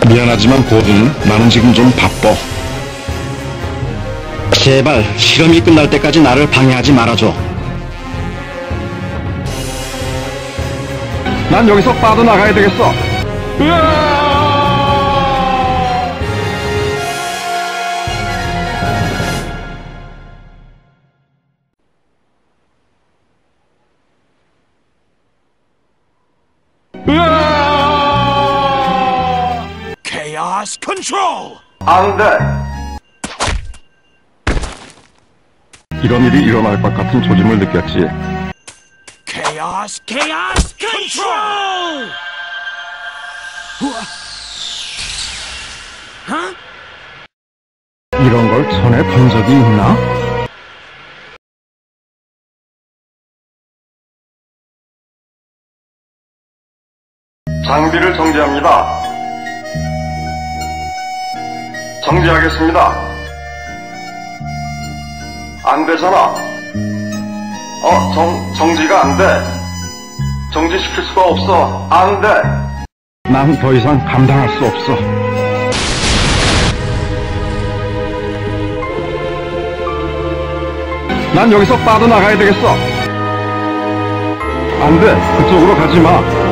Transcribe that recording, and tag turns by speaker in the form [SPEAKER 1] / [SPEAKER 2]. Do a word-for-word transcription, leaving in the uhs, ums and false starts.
[SPEAKER 1] 미안하지만 고든, 나는 지금 좀 바빠.
[SPEAKER 2] 제발 실험이 끝날 때까지 나를 방해하지 말아줘.
[SPEAKER 1] 난 여기서 빠져나가야 되겠어. 으아! 으아!
[SPEAKER 3] Chaos Control!
[SPEAKER 1] 안 돼! 이런 일이 일어날 것 같은 조짐을 느꼈지.
[SPEAKER 3] Chaos, Chaos Control! Huh?
[SPEAKER 1] 이런 걸 전에 본 적이 있나? 장비를 정지합니다. 정지하겠습니다. 안 되잖아. 어, 정, 정지가 안 돼. 정지시킬 수가 없어. 안 돼. 난 더 이상 감당할 수 없어. 난 여기서 빠져나가야 되겠어. 안 돼. 그쪽으로 가지 마.